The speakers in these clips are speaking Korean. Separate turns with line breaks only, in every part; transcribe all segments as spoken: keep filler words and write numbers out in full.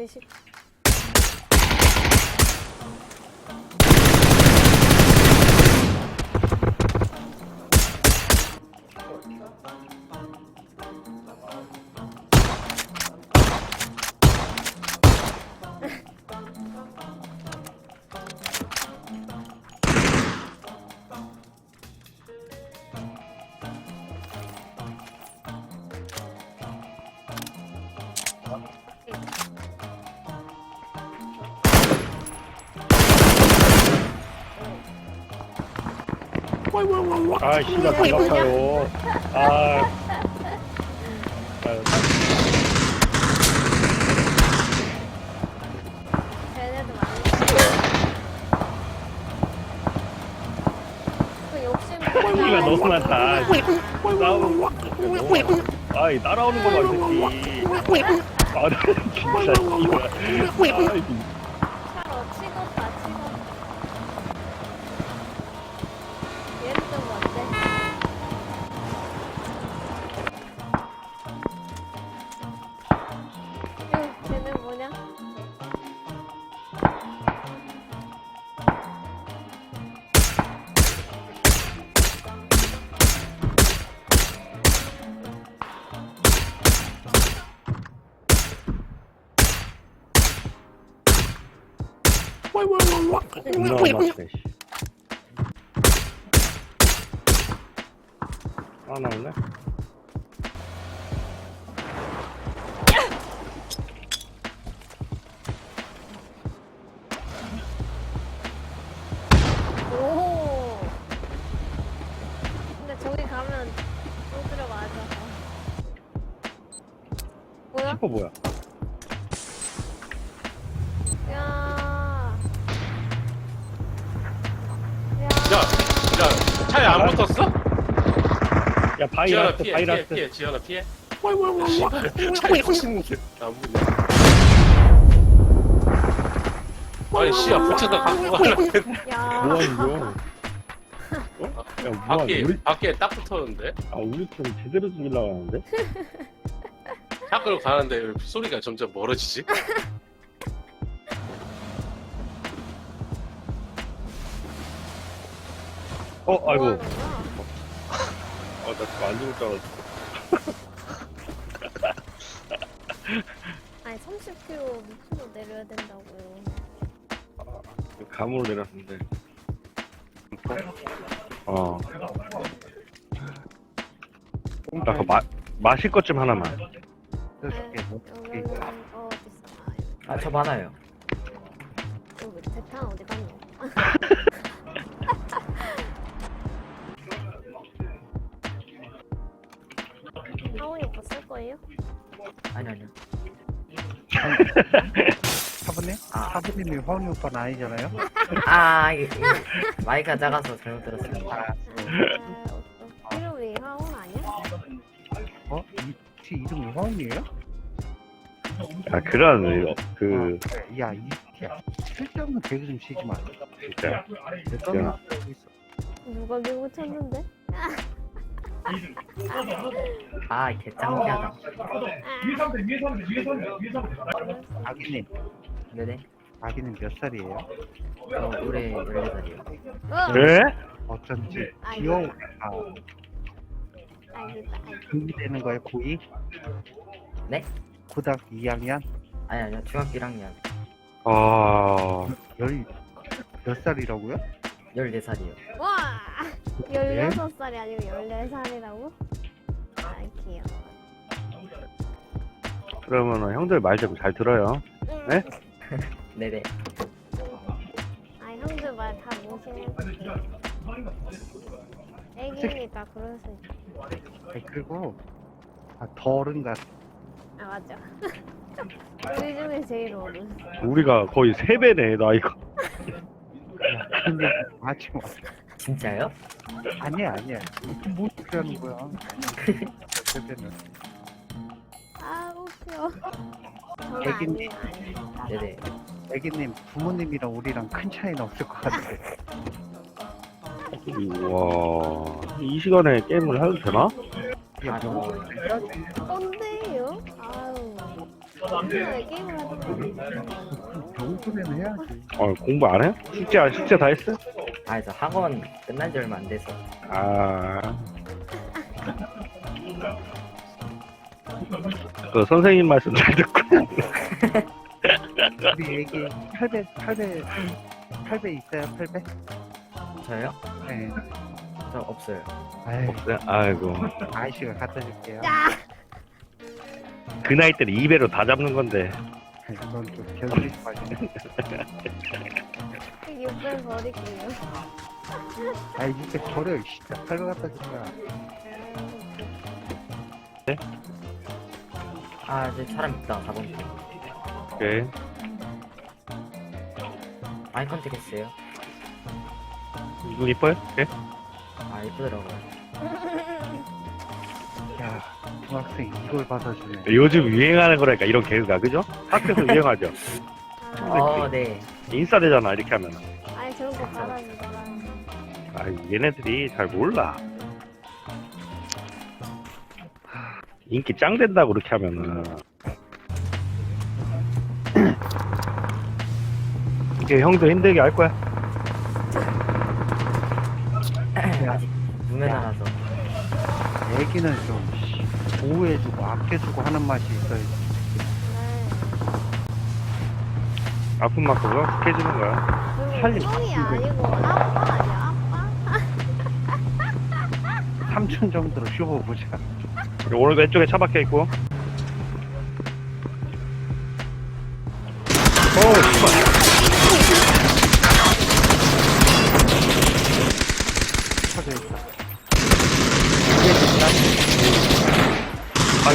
대십.
아, 씨발, 반갑아요. 아.
쟤네도 많이. 그 욕심.
끼가 너무 많다. 싸우고. 아이, 따라오는 거봐, 이 새끼. 아, 진짜, 씨발. 아이,
차로 치겠다, 치겠다. 얘는 좀 뭔데? 응, 쟤는 뭐냐?
존나 맞네, 씨. 아, 나올래?
오. 근데 저기 가면 또 들어가죠. 뭐야?
슈퍼 뭐야?
야. 야.
야, 야, 차에 안 붙었어?
야,
지현아
바이러스,
피해, 피해,
바이러스.
피해, 지현아 피해. 차에 붙이는데 안 붙네. 아니 씨야 붙여서 갖고 가려는데
야.
뭐하는 거야? 어? 야, 뭐하는
밖에
우리,
밖에 딱 붙었는데
아, 우리 좀 제대로 죽이려고 하는데?
차 끌고 가는데 왜 소리가 점점 멀어지지?
어, 아이고.
뭐 하는 거야?
아, 나 지금 안 죽을 줄 알았어.
아니 삼십 킬로미터 밑으로 내려야 된다고요.
감으로 내렸는데. 어. 나 그거 마, 마실 것 좀 하나만.
네, 여기는 어 비싸.
아, 저 많아요.
여기 대탄 어디 갔노? 하원이 오빠 쓸 거예요?
아니, 아니요.
사부님?
아.
사부님이 화운이 오빠는 아니잖아요?
아, 이게, 이게 마이크가 작아서 잘못 들었습니다.
아, 어떤 이름이 하원 아니야?
어? 이, 지 이름이 화운이에요?
아, 그런, 그,
야, 이, 야, 쓸데없는 개그 좀 치지 마.
진짜.
내 떠나 하고 있어.
누가 밀고 쳤는데?
아, 개 짱피하다.
아기님,
네네.
아기님 몇 살이에요?
저 올해 열네 살이요.
어!
네?
어쩐지
아이고.
귀여워. 아,
알겠다. 알겠다.
준비되는 거예요, 고이?
네?
고등학교 이 학년?
아니, 아니요. 중학교 일 학년.
아,
열, 몇 살이라고요?
열네 살이요.
와! 열여섯 살이 아니고 열네 살이라고? 아, 귀여워.
그러면 형들 말 좀 잘 들어요.
응.
네?
네네.
아, 형들 말 다 모시는 애기니까 그럴 수 있지.
아니, 그리고, 아, 더 어른 같아.
아, 맞아. 우리 중에 제일 어른.
우리가 거의 세 배네, 나이가.
야, 근데 하지 마.
진짜요?
아니야, 아니야. 무슨 뭐 어떻게 하는 거야? 세배는.
아, 웃겨. 저는
애기님.
아니에요, 아니에요.
네네.
애기님, 부모님이랑 우리랑 큰 차이는 없을 것 같아.
와, 이 시간에 게임을 해도 되나?
야,
아, 저,
뭐,
뭔데요? 아유. 왜 게임을 하던 거야?
병수는 해야지.
어, 공부 안 해? 숙제, 안- 숙제 다 했어?
아, 저 학원 끝난 지 얼마 안 돼서.
아. 그 선생님 말씀 잘 듣고.
우리 애기 팔 배, 팔 배, 팔 배 있어요, 팔 배?
저요?
네.
저 없어요.
아이,
네, 아이고.
아이씨가 갖다 줄게요.
야!
그 나이 때는 이 배로 다 잡는 건데.
그건 좀 개소리 마시네.
육 배 버릴게요.
아이, 이렇게 버려, 진짜. 팔 배 갖다 줄 거야.
아, 저 사람 있다. 사 번.
오케이.
아이 컨택 했어요.
눈 이뻐요? 오케이.
아, 이쁘더라고요.
야, 중학생 이걸 받아주네.
요즘 유행하는 거라니까, 이런 개그가, 그죠? 학교에서 유행하죠?
아,
어, 네.
인싸 되잖아, 이렇게 하면.
아니 저런 거 받아주더라.
아, 얘네들이 잘 몰라. 인기 짱 된다고, 그렇게 하면은. 이게 형도 힘들게 할 거야.
아직 무면허라서.
애기는 좀 씨, 보호해주고 아껴주고 하는 맛이 있어야지.
아픈 만큼 해주는 거야.
그리고
살림
형이
바쁘고.
아니고 아빠 아니야 아빠?
삼촌 정도로 쉬어보자.
오늘 왼쪽에 차 박혀 있고. 오, 씨발.
쳐져 있어.
아이.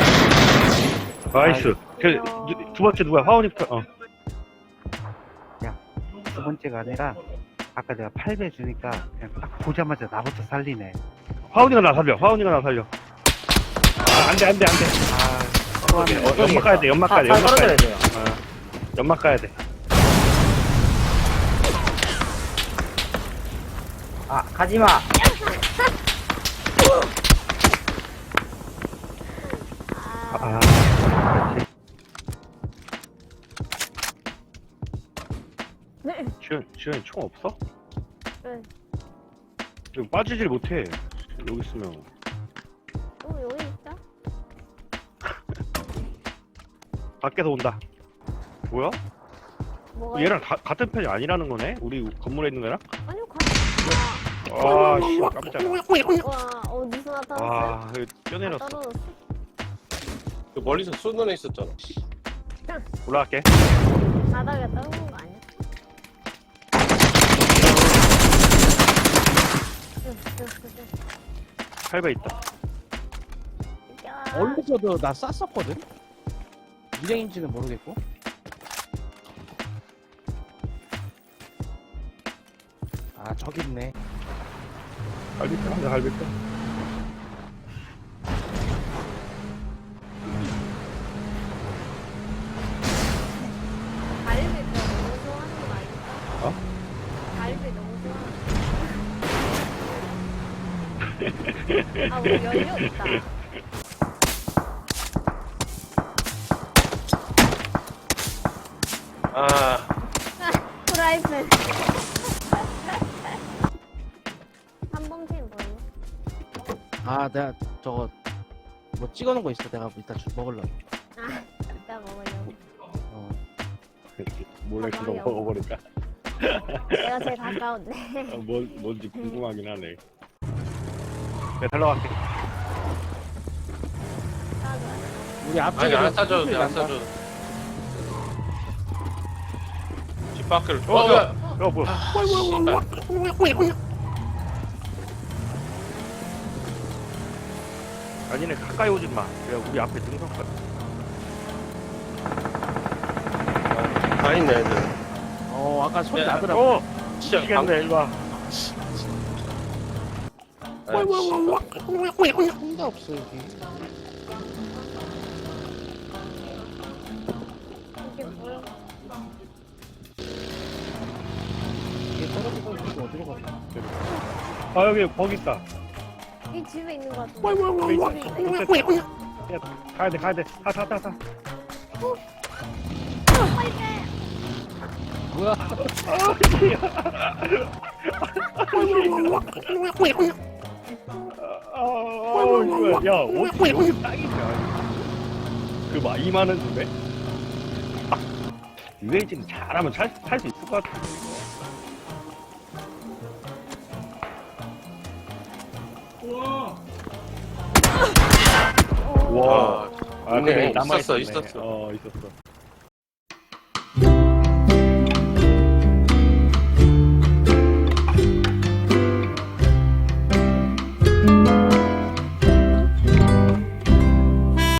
나이스. 그, 누- 두 번째 누구야? 화원이부터. 어.
두 번째가 아니라 아까 내가 팔 배 주니까 그냥 딱 보자마자 나부터 살리네.
화원이가 나 살려. 화원이가 나 살려. 아, 안 돼, 안 돼, 안 돼.
또 하나.
어, 연막 가야 돼, 연막 가야 돼,
아,
연막 가야
떨어져야
돼.
돼요.
어, 연막 가야 돼.
아, 가지마!
아,
아, 그렇지.
네.
주현, 주현이 총 없어?
네.
이거 빠지질 못해. 여기 있으면.
어 여기 있다.
밖에서 온다. 뭐야?
뭐가?
얘랑 가- 같은 편이 아니라는 거네? 우리 건물에 있는 거랑?
아니요 가.
아, 씨, 깜짝이야.
와 어디서 나타났어?
와, 이거 뛰어내렸어.
떨어졌어.
그 멀리서 쏘는 애 있었잖아.
올라갈게.
바닥에 떨어진 거 아니야?
팔 배 있다.
야.
얼굴에서도 나 쌌었거든? 일행인지는 모르겠고. 아, 저기 있네.
갈비뼈, 한대 갈비뼈.
갈비 너무 좋아하는 거 아닐까?
어?
갈비 너무 좋아하는 거. 아 우리 연료 있다.
아,
프라이팬. 한범팀 뭐예요?
아, 내가 저거 뭐 찍어놓은 거 있어. 내가 이따 주 먹으려고.
아 이따 먹으려고.
어.
몰래 그거 먹어버릴까?
내가 제일 가까운데.
어, 뭐, 뭔지 궁금하긴 하네. 내가 달러갈게.
우리 앞쪽에
아니 안 싸줘도 돼, 안 싸줘도 돼. 집 밖으로.
어,
어,
뭐야?
뭐야?
어, 뭐야?
아, 씨발.
아니네, 가까이 오진 마. 내가 우리 앞에 등석거든.
다 있네, 애들.
어, 아까 소리
야,
나더라고.
어!
진짜
미치겠네, 일로 와.
아, 씨.
혼자 없어, 여기.
이게 뭐야?
이게 떨어지고 있고 어디로 가?
아, 여기, 거기 있다.
이 집에 있는 거 같은데.
여기
이 집에 있네.
있다. 야, 가야 돼, 가야 돼. 타, 타, 타, 타.
빨리 빼.
뭐야?
아우 뭐야 야 어떻게 여기 딱이냐 그막 이만한 집에 유해 지금 잘하면 살 수 있을 것 같은데 이거 와. 아,
있네.
근데 남아
있었어,
있었네.
있었어.
어, 있었어.